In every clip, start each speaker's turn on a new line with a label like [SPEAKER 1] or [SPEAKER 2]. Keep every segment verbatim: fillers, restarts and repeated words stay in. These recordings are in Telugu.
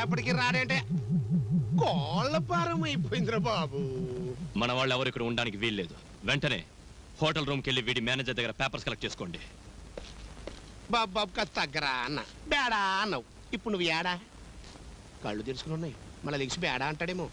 [SPEAKER 1] రేపటికి రాడంటే కోళ్ళ పారం అయిపోయిందిరా బాబు.
[SPEAKER 2] మన వాళ్ళు ఎవరు ఇక్కడ ఉండడానికి వీల్లేదు. వెంటనే హోటల్ రూమ్కి వెళ్ళి వీడి మేనేజర్ దగ్గర పేపర్స్ కలెక్ట్ చేసుకోండి.
[SPEAKER 1] బాబు బాబు కాస్త తగ్గరా అన్న. బేడా అన్నావు, ఇప్పుడు నువ్వు ఏడా? కళ్ళు తెరుచుకుని ఉన్నాయి, మళ్ళీ లెగిసి బేడా అంటాడేమో.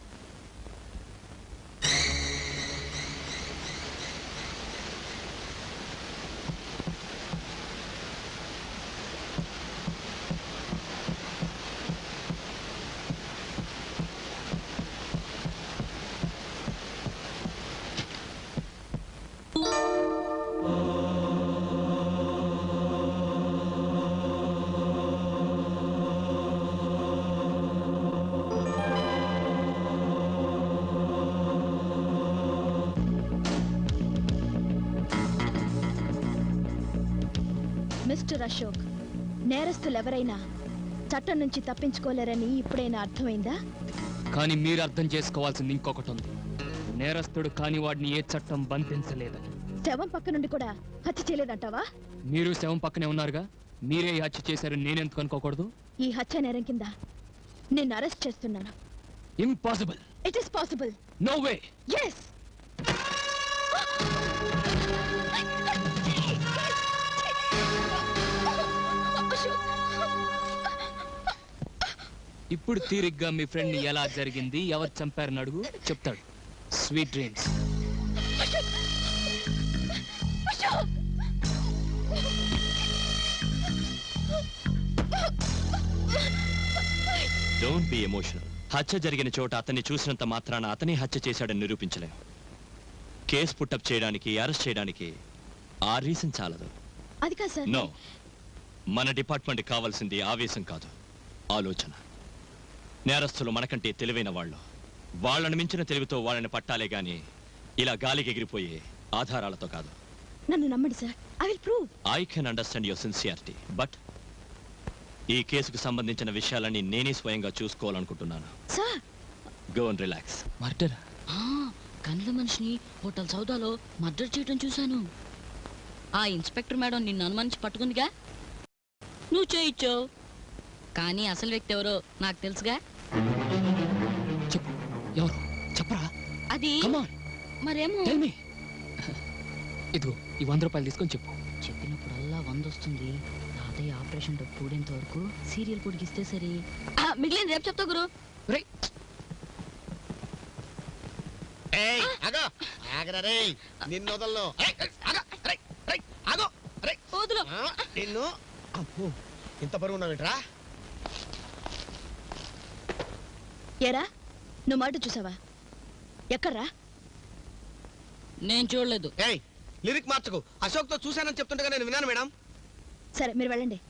[SPEAKER 3] మిస్టర్ అశోక్, నేరస్తులు ఎవరైనా చట్టం నుంచి తప్పించుకోలేరని ఇప్పుడైనా అర్థమైందా?
[SPEAKER 4] కానీ మీరు అర్థం చేసుకోవాల్సింది ఇంకొకటి ఉంది. నేరస్తుడు కాని వాడిని ఏ చట్టం బంధించలేదని.
[SPEAKER 3] శవం పక్క నుండి కూడా హత్య చేయలేదంటావా?
[SPEAKER 4] మీరు శవం పక్కనే ఉన్నారుగా, మీరే ఈ హత్య చేశారని నేనెందుకు అనుకోకూడదు?
[SPEAKER 3] ఈ హత్య నేరం కింద నిన్ను అరెస్ట్ చేస్తున్నాను.
[SPEAKER 4] Impossible.
[SPEAKER 3] It is possible.
[SPEAKER 4] No way.
[SPEAKER 3] yes.
[SPEAKER 4] ఇప్పుడు తీరిగ్గా మీ ఫ్రెండ్ ని ఎలా జరిగింది, ఎవరు చంపారని అడుగు, చెప్తాడు. Sweet dreams.
[SPEAKER 2] Don't be emotional. హత్య జరిగిన చోట అతన్ని చూసినంత మాత్రాన అతనే హత్య చేశాడని నిరూపించలేం. కేసు పుట్టప్ చేయడానికి, అరెస్ట్ చేయడానికి ఆ రీజన్ చాలదు.
[SPEAKER 3] అది కాదు సార్.
[SPEAKER 2] నో, మన డిపార్ట్మెంట్ కావాల్సింది ఆవేశం కాదు, ఆలోచన. నేరస్తులు మనకంటే తెలివైన వాళ్ళు. వాళ్ళని మించిన తెలివితో వాళ్ళని పట్టాలే గాని ఇలా గాలికి ఎగిరిపోయే ఆధారాలతో కాదు.
[SPEAKER 3] నన్ను నమ్మండి sir. I will prove.
[SPEAKER 2] I can understand your sincerity, but ఈ కేసుకు సంబంధించిన విషయాలన్నీ నేనే స్వయంగా చూసుకోవాలనుకుంటున్నాను.
[SPEAKER 3] Sir,
[SPEAKER 2] go and relax.
[SPEAKER 4] Murder?
[SPEAKER 5] కండ్ల మనిషిని హోటల్ సౌదాలో మర్డర్ చేయడం చూశాను. ఆ ఇన్స్పెక్టర్ మేడం నిన్ను అనుమానించి పట్టుకుందిగా, నువ్వు చేయించావు. కానీ అసలు వ్యక్తి ఎవరో నాకు తెలుసుగా.
[SPEAKER 4] చెప్పు, ఎవరు చెప్పరా?
[SPEAKER 5] అది మరేమో.
[SPEAKER 4] ఇదిగో ఈ వంద రూపాయలు తీసుకొని చెప్పు.
[SPEAKER 5] చెప్పినప్పుడల్లా వంద వస్తుంది. తాతయ్య ఆపరేషన్ డబ్బు పూడేంత వరకు సీరియల్ పొడిగిస్తే సరే. మిగిలిన రేపు చెప్తా గురు.
[SPEAKER 1] నిన్ను ఇంత బరువు ఉన్నావేంట్రా?
[SPEAKER 3] ఏరా, నువ్వు మాట చూసావా? ఎక్కడ్రా?
[SPEAKER 5] నేను చూడలేదు.
[SPEAKER 1] ఏయ్, లిరిక్ మార్చకు. అశోక్ తో చూశానని చెప్తుండగా నేను విన్నాను మేడం.
[SPEAKER 3] సరే, మీరు వెళ్ళండి.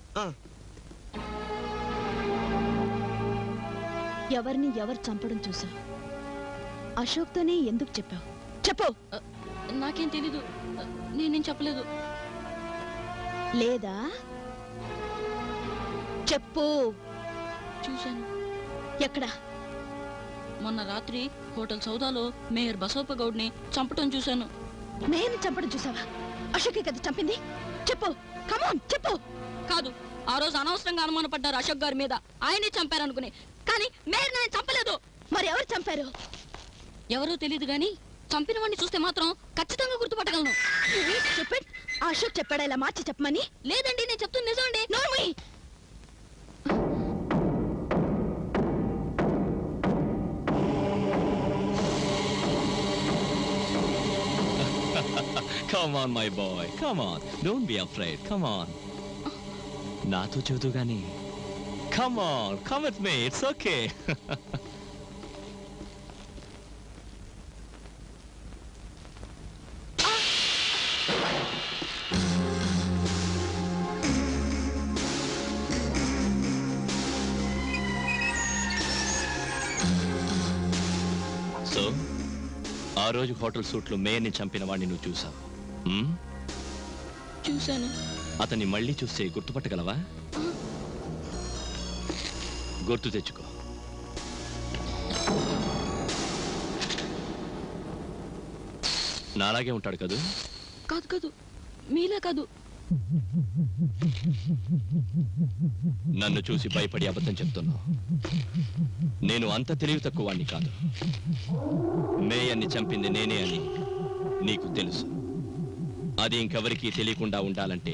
[SPEAKER 3] ఎవరిని ఎవరు చంపడం చూసావు? అశోక్ తోనే ఎందుకు చెప్పావు? చెప్పు.
[SPEAKER 5] నాకేం తెలీదు, నేనేం చెప్పలేదు.
[SPEAKER 3] లేదా? చెప్పు.
[SPEAKER 5] చూశాను.
[SPEAKER 3] ఎక్కడా?
[SPEAKER 5] మొన్న రాత్రి హోటల్ సౌదాలో మేయర్ బసవప్ప గౌడ్ని చంపటం చూశాను.
[SPEAKER 3] నేను చంపడం చూసావా? అశోకే కదా చంపింది. చెప్పు, కమాన్ చెప్పు.
[SPEAKER 5] కాదు, ఆ రోజు అనవసరంగా అనుమానపడ్డారు అశోక్ గారి మీద. ఆయనే చంపారనుకుని, కానీ మేయర్ నేను చంపలేదు.
[SPEAKER 3] మరి ఎవరు చంపారు?
[SPEAKER 5] ఎవరో తెలియదు గాని చంపిన వాడిని చూస్తే మాత్రం ఖచ్చితంగా గుర్తుపట్టగలను.
[SPEAKER 3] అశోక్ చెప్పాడా ఇలా మార్చి చెప్పమని?
[SPEAKER 5] లేదండి, నేను చెప్తుంది నిజమండి.
[SPEAKER 3] నోర్మీ.
[SPEAKER 2] Come on, my boy. Come on. Don't be afraid. Come on. నాతో చదువు గాని. Come on. Come with me. It's okay. So ఆ రోజు హోటల్ సూట్లో మేయర్ని చంపిన వాడిని నువ్వు చూసావు.
[SPEAKER 5] చూశాను.
[SPEAKER 2] అతన్ని మళ్ళీ చూస్తే గుర్తుపట్టగలవా? గుర్తు తెచ్చుకో. నాలాగే ఉంటాడు కదూ?
[SPEAKER 5] కాదు కాదు, మీలా కాదు.
[SPEAKER 2] నన్ను చూసి భయపడి అబద్ధం చెప్తున్నావు. నేను అంత తెలివి తక్కువ వాణ్ణి కాదు. మేయన్ని చంపింది నేనే అని నీకు తెలుసు. అది ఇంకెవరికీ తెలియకుండా ఉండాలంటే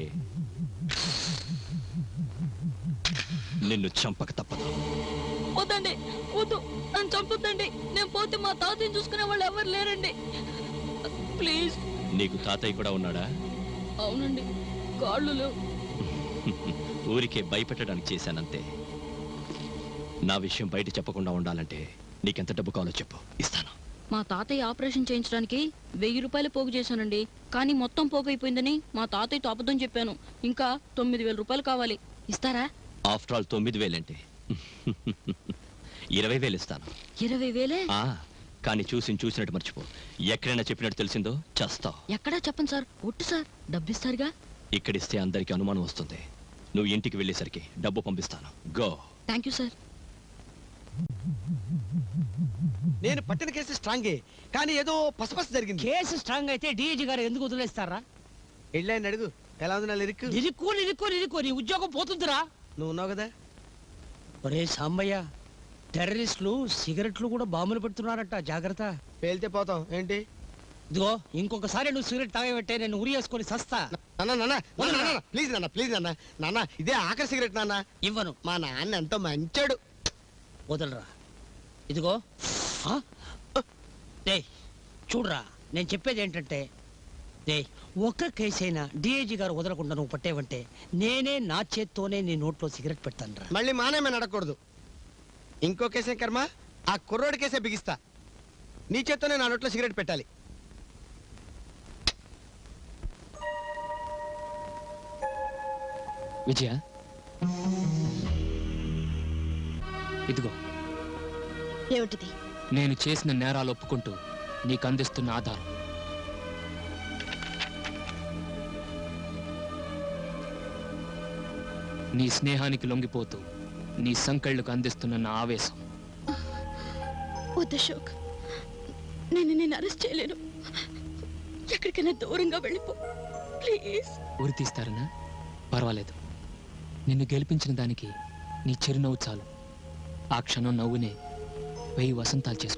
[SPEAKER 2] నిన్ను చంపక తప్పదు.
[SPEAKER 5] వద్దండి, వద్దు, నన్ను చంపొద్దండి. నేను పోతే మా తాతయ్యని చూసుకునే వాళ్ళు ఎవరు లేరండి. ప్లీజ్.
[SPEAKER 2] నీకు తాతయ్య కూడా ఉన్నాడా?
[SPEAKER 5] అవునండి, కాళ్ళు లేవు.
[SPEAKER 2] ఊరికే భయపెట్టడానికి చేశానంతే. నా విషయం బయట చెప్పకుండా ఉండాలంటే నీకెంత డబ్బు కావాలో చెప్పు, ఇస్తాను.
[SPEAKER 5] మా తాతయ్య ఆపరేషన్ చేయించడానికి వెయ్యి రూపాయలు పోగు చేశానండి. కానీ మొత్తం పోగు అయిపోయిందని మా తాతయ్యతో అబద్ధం చెప్పాను. ఇంకా తొమ్మిది వేల రూపాయలు కావాలి, ఇస్తారా?
[SPEAKER 2] ఆఫ్టర్ ఆల్ తొమ్మిది వేలంటే ఇరవై వేలు ఇస్తాను.
[SPEAKER 5] ఇరవై వేలే?
[SPEAKER 2] ఆ, కానీ చూసి చూసినట్టు మర్చిపో. ఎక్కడైనా చెప్పినట్టు తెలిసిందో చస్తావు.
[SPEAKER 5] ఎక్కడా చెప్పండి సార్, ఒట్టు సార్. డబ్బిస్తారుగా?
[SPEAKER 2] ఇక్కడిస్తే అందరికి అనుమానం వస్తుంది. నువ్వు ఇంటికి వెళ్ళేసరికి డబ్బు పంపిస్తాను. గో.
[SPEAKER 5] Thank you sir.
[SPEAKER 6] నేను పట్టిన కేసు స్ట్రాంగే, కానీ ఏదో పసపస జరిగింది.
[SPEAKER 7] కేసు స్ట్రాంగ్ అయితే డీజీ గారు ఎందుకు వదిలేస్తారా?
[SPEAKER 6] వెళ్ళాయని అడుగు, ఎలా ఉంది నా లిరిక్?
[SPEAKER 7] నిరుక్కో నిరుక్కో నిరుక్కో నీ ఉద్యోగం పోతుందిరా.
[SPEAKER 6] నువ్వు ఉన్నావు కదా.
[SPEAKER 7] ఒరే సాంబయ్య, టెర్రరిస్టులు సిగరెట్లు కూడా బాంబులు పెడుతున్నారట, జాగ్రత్త.
[SPEAKER 6] పేలితే పోతాం ఏంటి?
[SPEAKER 7] ఇదిగో ఇంకొకసారి నువ్వు సిగరెట్ తాగబెట్టే నేను ఉరి వేసుకొని సస్తా.
[SPEAKER 6] నాన్న నాన్న నాన్న ప్లీజ్ నాన్న ప్లీజ్ నాన్న నాన్న ఇదే ఆఖరి సిగరెట్ నాన్న.
[SPEAKER 7] ఇవ్వను.
[SPEAKER 6] మా నాన్న ఎంతో మంచాడు.
[SPEAKER 7] వదలరా. ఇదిగో డే చూడరా, నేను చెప్పేది ఏంటంటే డే ఒక్క కేసు అయినా డిఐజీ గారు వదలకుండా నువ్వు పట్టేవంటే నేనే నా చేత్తోనే నీ నోట్లో సిగరెట్ పెడతాను రా.
[SPEAKER 6] మళ్ళీ మానేమని అడగకూడదు. ఇంకో కేసే కర్మ, ఆ కుర్రోడి కేసే బిగిస్తా. నీ చేత్తోనే నా నోట్లో సిగరెట్ పెట్టాలి.
[SPEAKER 4] విజయ, ఇదిగో
[SPEAKER 3] ఏమిటిది?
[SPEAKER 4] నేను చేసిన నేరాలు ఒప్పుకుంటూ నీకు అందిస్తున్న ఆధారం. నీ స్నేహానికి లొంగిపోతూ నీ సంకళ్ళకు అందిస్తున్న నా ఆవేశం.
[SPEAKER 3] వద్దు అశోక్, నేను నేను అరెస్ట్ చేయలేను. ఎక్కడికైనా దూరంగా వెళ్ళిపో ప్లీజ్.
[SPEAKER 4] ఉరి తీస్తారనా? పర్వాలేదు. నిన్ను గెలిపించిన దానికి నీ చిరునవ్వు చాలు. ఆ క్షణం నవ్వునే వెయ్యి వసంతాలు చేసుకుంటా.